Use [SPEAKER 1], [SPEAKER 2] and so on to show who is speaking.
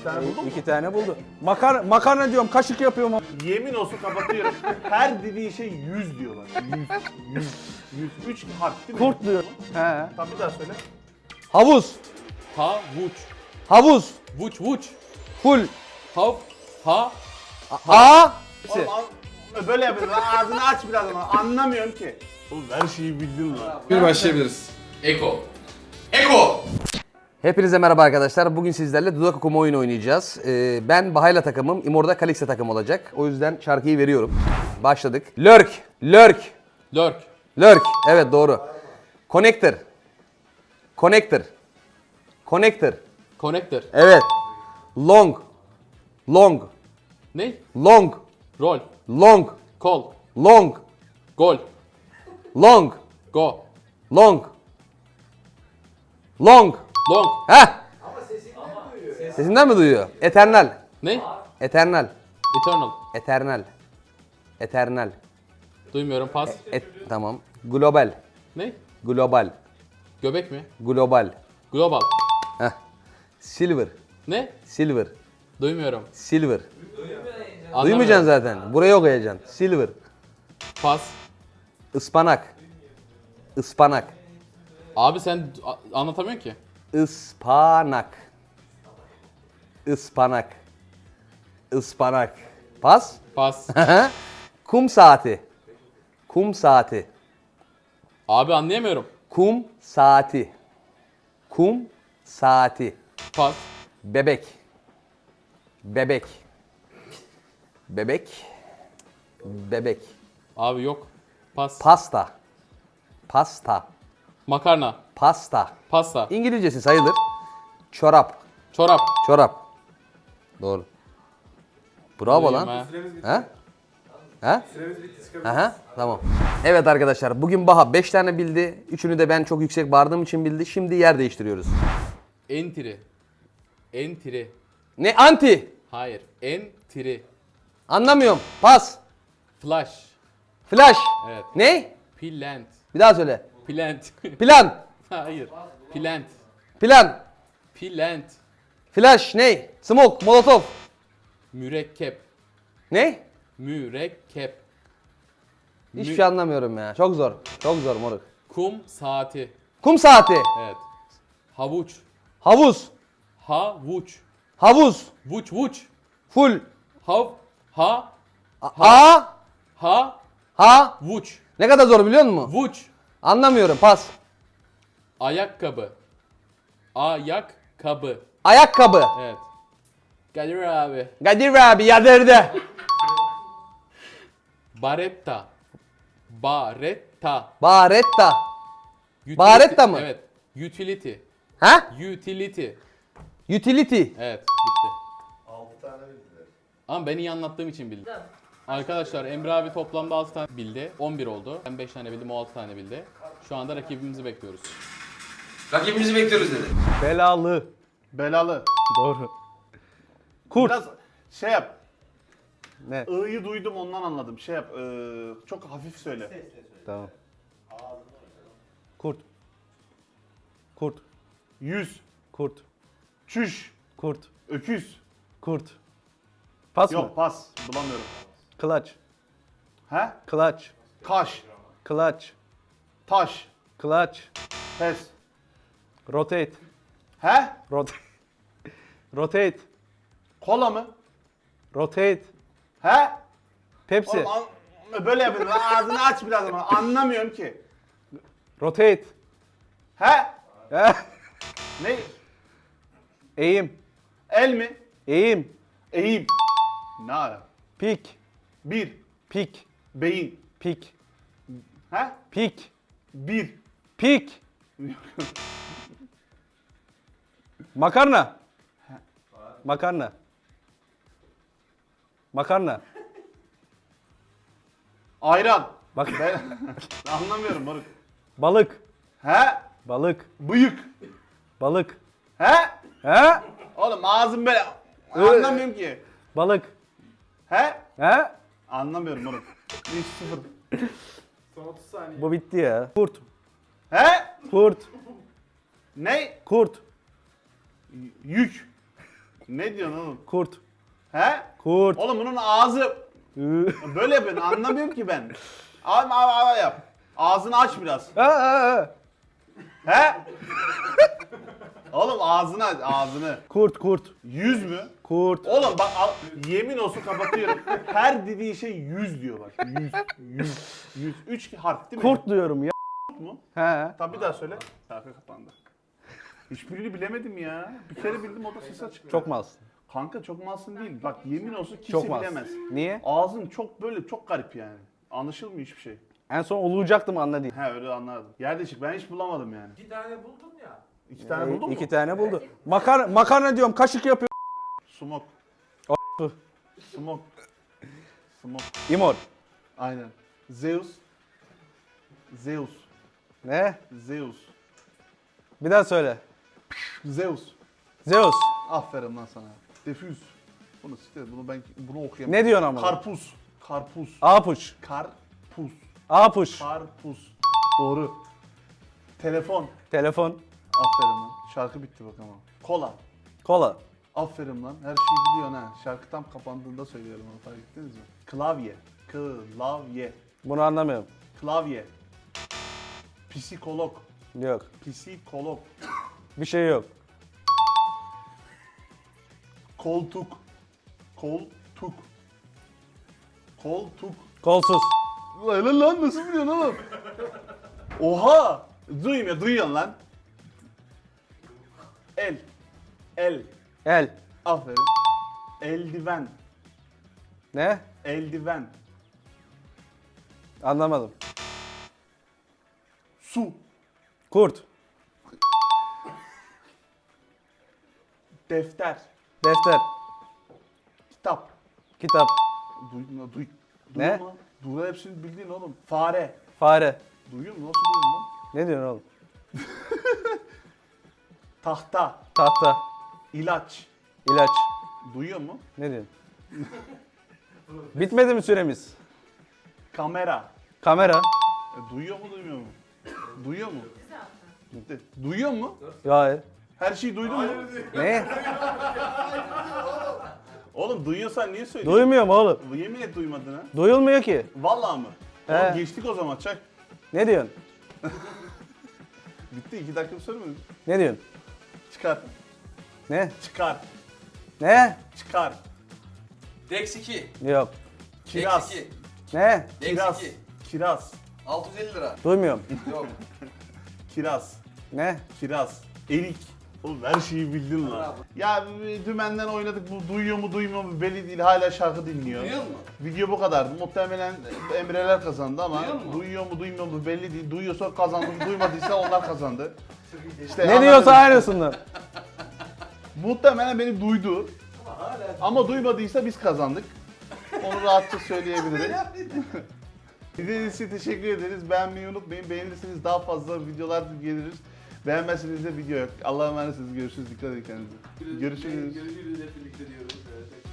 [SPEAKER 1] tane buldum mu?
[SPEAKER 2] 2 tane buldu. Makarna diyorum, kaşık yapıyorum.
[SPEAKER 1] Yemin olsun kapatıyorum. Her dediği şey 100 diyorlar. 100. 3 harf değil mi?
[SPEAKER 2] Kurt diyor. He.
[SPEAKER 1] Tamam bir daha söyle.
[SPEAKER 2] Havuz.
[SPEAKER 3] Havuç.
[SPEAKER 2] Havuz.
[SPEAKER 3] Vuç vuç.
[SPEAKER 2] Full.
[SPEAKER 3] Ha.
[SPEAKER 2] A.
[SPEAKER 1] Oğlum, böyle yapıyorsun. Ağzını aç biraz ama anlamıyorum ki. Oğlum her şeyi bildin lan.
[SPEAKER 4] Bir başlayabiliriz.
[SPEAKER 3] Eko. Eko.
[SPEAKER 2] Hepinize merhaba arkadaşlar. Bugün sizlerle dudak okuma oyunu oynayacağız. Ben Bahayla takımım, İmor'da Kalix'e takım olacak. O yüzden şarkıyı veriyorum. Başladık. Lurk. Lurk.
[SPEAKER 3] Lurk.
[SPEAKER 2] Lurk. Evet doğru. Connector. Connector. Connector.
[SPEAKER 3] Connector.
[SPEAKER 2] Evet. Long. Long.
[SPEAKER 3] Ne?
[SPEAKER 2] Long.
[SPEAKER 3] Rol.
[SPEAKER 2] Long.
[SPEAKER 3] Kol.
[SPEAKER 2] Long.
[SPEAKER 3] Gol.
[SPEAKER 2] Long.
[SPEAKER 3] Go.
[SPEAKER 2] Long. Long.
[SPEAKER 3] Long.
[SPEAKER 2] Heh. Sesinden mi duyuyor? Eternal.
[SPEAKER 3] Ne?
[SPEAKER 2] Eternal.
[SPEAKER 3] Eternal.
[SPEAKER 2] Eternal. Eternal.
[SPEAKER 3] Duymuyorum, pas.
[SPEAKER 2] Tamam. Global.
[SPEAKER 3] Ne?
[SPEAKER 2] Global.
[SPEAKER 3] Göbek mi?
[SPEAKER 2] Global.
[SPEAKER 3] Global.
[SPEAKER 2] Heh. Silver.
[SPEAKER 3] Ne?
[SPEAKER 2] Silver.
[SPEAKER 3] Duymuyorum.
[SPEAKER 2] Silver.
[SPEAKER 3] Anlamıyorum.
[SPEAKER 2] Duymayacaksın zaten. Buraya okuyacaksın. Silver.
[SPEAKER 3] Pas.
[SPEAKER 2] Ispanak. Ispanak.
[SPEAKER 3] Abi sen anlatamıyorsun ki.
[SPEAKER 2] Ispanak. Ispanak. Ispanak. Pas.
[SPEAKER 3] Pas.
[SPEAKER 2] Kum saati. Kum saati.
[SPEAKER 3] Abi anlayamıyorum.
[SPEAKER 2] Kum saati. Kum saati.
[SPEAKER 3] Pas.
[SPEAKER 2] Bebek. Bebek. Bebek. Bebek.
[SPEAKER 3] Abi yok. Pas.
[SPEAKER 2] Pasta. Pasta.
[SPEAKER 3] Makarna.
[SPEAKER 2] Pasta.
[SPEAKER 3] Pasta.
[SPEAKER 2] İngilizcesi sayılır. Çorap.
[SPEAKER 3] Çorap.
[SPEAKER 2] Çorap. Doğru. Bravo
[SPEAKER 3] Duyayım
[SPEAKER 2] lan.
[SPEAKER 3] ha.
[SPEAKER 2] Ha? Ha? Aha, tamam. Evet arkadaşlar, bugün Baha 5 tane bildi. Üçünü de ben çok yüksek bağırdığım için bildi. Şimdi yer değiştiriyoruz.
[SPEAKER 3] Entry. Entry.
[SPEAKER 2] Ne? Anti.
[SPEAKER 3] Hayır. Entry.
[SPEAKER 2] Anlamıyorum. Pas.
[SPEAKER 3] Flash.
[SPEAKER 2] Flash.
[SPEAKER 3] Evet.
[SPEAKER 2] Ne?
[SPEAKER 3] Plant.
[SPEAKER 2] Bir daha söyle.
[SPEAKER 3] Plant.
[SPEAKER 2] Plan.
[SPEAKER 3] Hayır. Plant.
[SPEAKER 2] Plan.
[SPEAKER 3] Plant.
[SPEAKER 2] Flash. Ne? Smoke. Molotov.
[SPEAKER 3] Mürekkep.
[SPEAKER 2] Ne?
[SPEAKER 3] Mürekkep.
[SPEAKER 2] Hiçbir şey anlamıyorum ya. Çok zor. Çok zor moruk.
[SPEAKER 3] Kum saati.
[SPEAKER 2] Kum saati.
[SPEAKER 3] Evet. Havuç.
[SPEAKER 2] Havuz.
[SPEAKER 3] Havuç.
[SPEAKER 2] Havuz.
[SPEAKER 3] Vuç vuç.
[SPEAKER 2] Full.
[SPEAKER 3] Ha.
[SPEAKER 2] A.
[SPEAKER 3] Ha.
[SPEAKER 2] Ha.
[SPEAKER 3] Vuç.
[SPEAKER 2] Ne kadar zor biliyor musun?
[SPEAKER 3] Vuç.
[SPEAKER 2] Anlamıyorum. Pas.
[SPEAKER 3] Ayakkabı. Ayakkabı.
[SPEAKER 2] Ayakkabı.
[SPEAKER 3] Evet. Kadir abi.
[SPEAKER 2] Kadir abi yadırdı.
[SPEAKER 3] Baretta. Baretta.
[SPEAKER 2] Baretta.
[SPEAKER 3] Utility.
[SPEAKER 2] Baretta mı?
[SPEAKER 3] Evet. Utility.
[SPEAKER 2] Ha?
[SPEAKER 3] Utility.
[SPEAKER 2] Utility.
[SPEAKER 3] Evet. Bitti. 6 tane bildiler. Ama ben iyi anlattığım için bildim. Arkadaşlar Emre abi toplamda 6 tane bildi. 11 oldu. Ben 5 tane bildim, o 6 tane bildi. Şu anda rakibimizi bekliyoruz.
[SPEAKER 4] Rakibimizi bekliyoruz dedi.
[SPEAKER 2] Belalı.
[SPEAKER 1] Belalı.
[SPEAKER 2] Doğru. Kurt.
[SPEAKER 1] Biraz şey yap.
[SPEAKER 2] Ne?
[SPEAKER 1] I'yı duydum ondan anladım. Şey yap. Çok hafif söyle.
[SPEAKER 2] Tamam. Kurt. Kurt.
[SPEAKER 1] 100.
[SPEAKER 2] Kurt.
[SPEAKER 1] Çüş.
[SPEAKER 2] Kurt.
[SPEAKER 1] Öküz.
[SPEAKER 2] Kurt. Pas mı?
[SPEAKER 1] Yok pas. Bulamıyorum.
[SPEAKER 2] Clutch.
[SPEAKER 1] He?
[SPEAKER 2] Clutch.
[SPEAKER 1] Kaş.
[SPEAKER 2] Clutch.
[SPEAKER 1] Taş.
[SPEAKER 2] Clutch.
[SPEAKER 1] Pes.
[SPEAKER 2] Rotate.
[SPEAKER 1] He?
[SPEAKER 2] Rotate. Rotate.
[SPEAKER 1] Kola mı?
[SPEAKER 2] Rotate.
[SPEAKER 1] He?
[SPEAKER 2] Pepsi.
[SPEAKER 1] Oğlum, böyle yapıyorsun. Ağzını aç biraz ama anlamıyorum ki.
[SPEAKER 2] Rotate.
[SPEAKER 1] He?
[SPEAKER 2] Eh.
[SPEAKER 1] Ne?
[SPEAKER 2] Eğim.
[SPEAKER 1] El mi?
[SPEAKER 2] Eğim.
[SPEAKER 1] Eğim. Ne ara?
[SPEAKER 2] Pik.
[SPEAKER 1] Bir.
[SPEAKER 2] Pik.
[SPEAKER 1] Beyin.
[SPEAKER 2] Pik.
[SPEAKER 1] He?
[SPEAKER 2] Pik.
[SPEAKER 1] Bir.
[SPEAKER 2] Pik. Makarna. Makarna. Makarna.
[SPEAKER 1] Ayran.
[SPEAKER 2] Bak.
[SPEAKER 1] Ben anlamıyorum moruk.
[SPEAKER 2] Balık.
[SPEAKER 1] He?
[SPEAKER 2] Balık.
[SPEAKER 1] Bıyık.
[SPEAKER 2] Balık.
[SPEAKER 1] He?
[SPEAKER 2] He?
[SPEAKER 1] Oğlum ağzım böyle. Anlamıyorum ki.
[SPEAKER 2] Balık.
[SPEAKER 1] He?
[SPEAKER 2] He?
[SPEAKER 1] Anlamıyorum moruk. 3-0.
[SPEAKER 2] Bu bitti ya. Kurt.
[SPEAKER 1] He?
[SPEAKER 2] Kurt.
[SPEAKER 1] Ne?
[SPEAKER 2] Kurt.
[SPEAKER 1] Yük. Ne diyorsun oğlum?
[SPEAKER 5] Kurt.
[SPEAKER 1] He?
[SPEAKER 5] Kurt.
[SPEAKER 1] Oğlum bunun ağzı böyle yapıyorsun, anlamıyorum ki ben. Abi yap. Ağzını aç biraz. He? Oğlum ağzını aç, ağzını.
[SPEAKER 5] Kurt.
[SPEAKER 1] Yüz mü?
[SPEAKER 5] Kurt.
[SPEAKER 1] Oğlum bak yemin olsun kapatıyorum. Her dediği şey yüz diyor bak. Yüz. Üç harf değil mi?
[SPEAKER 5] Kurt diyorum ya.
[SPEAKER 1] mu?
[SPEAKER 5] He.
[SPEAKER 1] Tabii bir daha söyle. Şarkı kapandı. Hiçbirini bilemedim ya. Bir kere bildim, o da ses açık.
[SPEAKER 5] Çok malsın.
[SPEAKER 1] Kanka çok malsın değil. Bak yemin olsun kimse
[SPEAKER 5] Çok malsın.
[SPEAKER 1] bilemez.
[SPEAKER 5] Niye?
[SPEAKER 1] Ağzın çok böyle çok garip yani. Anlaşılmıyor hiçbir şey.
[SPEAKER 5] En son olacaktım anladın.
[SPEAKER 1] He öyle anladım. Yerdeşik ben hiç bulamadım yani.
[SPEAKER 6] 2 tane buldun ya.
[SPEAKER 1] 2 tane buldun mu?
[SPEAKER 5] 2 tane buldu. Makarna diyorum, kaşık yapıyor.
[SPEAKER 1] Smoke.
[SPEAKER 5] A**ı.
[SPEAKER 1] Smoke. Smoke.
[SPEAKER 5] İmor.
[SPEAKER 1] Aynen. Zeus. Zeus.
[SPEAKER 5] Ne?
[SPEAKER 1] Zeus.
[SPEAKER 5] Bir daha söyle.
[SPEAKER 1] Zeus.
[SPEAKER 5] Zeus.
[SPEAKER 1] Aferin lan sana. Defüz. Bunu siktir. Bunu okuyamam.
[SPEAKER 5] Ne diyorsun ama?
[SPEAKER 1] Karpuz. Karpuz.
[SPEAKER 5] Apuç.
[SPEAKER 1] Karpuz.
[SPEAKER 5] Apuç.
[SPEAKER 1] Karpuz. Doğru. Telefon.
[SPEAKER 5] Telefon.
[SPEAKER 1] Aferin lan. Şarkı bitti bak ama. Kola.
[SPEAKER 5] Kola.
[SPEAKER 1] Aferin lan. Her şeyi biliyorsun ha. Şarkı tam kapandığında söylüyorum onu, fark ettiniz mi? Klavye. Klavye.
[SPEAKER 5] Bunu anlamıyorum.
[SPEAKER 1] Klavye. Psikolog.
[SPEAKER 5] Yok.
[SPEAKER 1] Psikolog.
[SPEAKER 5] Bir şey yok.
[SPEAKER 1] Koltuk. Koltuk. Koltuk.
[SPEAKER 5] Kolsuz.
[SPEAKER 1] Lan nasıl biliyorsun oğlum? Oha! Duyuyorsun lan. El.
[SPEAKER 5] El.
[SPEAKER 1] Aferin. Eldiven.
[SPEAKER 5] Ne?
[SPEAKER 1] Eldiven.
[SPEAKER 5] Anlamadım.
[SPEAKER 1] Su.
[SPEAKER 5] Kurt.
[SPEAKER 1] Defter.
[SPEAKER 5] Defter.
[SPEAKER 1] Kitap.
[SPEAKER 5] Kitap.
[SPEAKER 1] Duy.
[SPEAKER 5] Ne?
[SPEAKER 1] Duyuyor hepsini bildiğin oğlum. Fare.
[SPEAKER 5] Fare.
[SPEAKER 1] Duyuyor musun? Nasıl duyuyorsun lan?
[SPEAKER 5] Ne diyorsun oğlum?
[SPEAKER 1] Tahta.
[SPEAKER 5] Tahta.
[SPEAKER 1] İlaç.
[SPEAKER 5] İlaç.
[SPEAKER 1] Duyuyor mu?
[SPEAKER 5] Ne diyorsun? Bitmedi mi süremiz?
[SPEAKER 1] Kamera.
[SPEAKER 5] Kamera.
[SPEAKER 1] Duyuyor mu duymuyor mu? Duyuyor mu? Bitti. Duyuyor mu?
[SPEAKER 5] Hayır.
[SPEAKER 1] Her şeyi duydun mu?
[SPEAKER 5] Ne?
[SPEAKER 1] Oğlum duyuyorsan niye söylüyorsun?
[SPEAKER 5] Duymuyorum oğlum.
[SPEAKER 1] Yemin et duymadın ha.
[SPEAKER 5] Duyulmuyor ki.
[SPEAKER 1] Vallahi mı?
[SPEAKER 5] He.
[SPEAKER 1] Oğlum geçtik o zaman çak.
[SPEAKER 5] Ne diyorsun?
[SPEAKER 1] Bitti 2 dakika söylemedim.
[SPEAKER 5] Ne diyorsun?
[SPEAKER 1] Çıkar.
[SPEAKER 5] Ne?
[SPEAKER 1] Çıkar.
[SPEAKER 5] Ne?
[SPEAKER 1] Çıkar.
[SPEAKER 4] Dex 2.
[SPEAKER 5] Yok.
[SPEAKER 1] Kiraz.
[SPEAKER 4] Dex 2.
[SPEAKER 5] Ne?
[SPEAKER 4] Dex
[SPEAKER 1] Kiraz.
[SPEAKER 4] 2.
[SPEAKER 1] Kiraz.
[SPEAKER 4] 650 lira.
[SPEAKER 5] Duymuyorum.
[SPEAKER 4] Yok.
[SPEAKER 1] Kiraz.
[SPEAKER 5] Ne?
[SPEAKER 1] Kiraz. Erik. Oğlum her şeyi bildin lan. Ya dümenden oynadık, bu duyuyor mu duymuyor mu belli değil, hala şarkı dinliyor.
[SPEAKER 4] Duyuyor mu?
[SPEAKER 1] Video bu kadardı. Muhtemelen Emreler kazandı ama
[SPEAKER 4] Duyuyor mu?
[SPEAKER 1] duyuyor mu duymuyor mu belli değil. Duyuyorsa kazandı, duymadıysa onlar kazandı. İşte
[SPEAKER 5] Ne diyorsa aynısını.
[SPEAKER 1] Muhtemelen beni duydu. Ama duymadıysa biz kazandık. Onu rahatça söyleyebilirim. İzlediğiniz için teşekkür ederiz. Beğenmeyi unutmayın. Beğenirseniz daha fazla videolar geliriz. Beğenmezseniz de video yok. Allah'a emanetsiniz. Görüşürüz. Dikkat edin kendinize. Görüşürüz.
[SPEAKER 6] Görüşürüz hep birlikte diyoruz. Evet.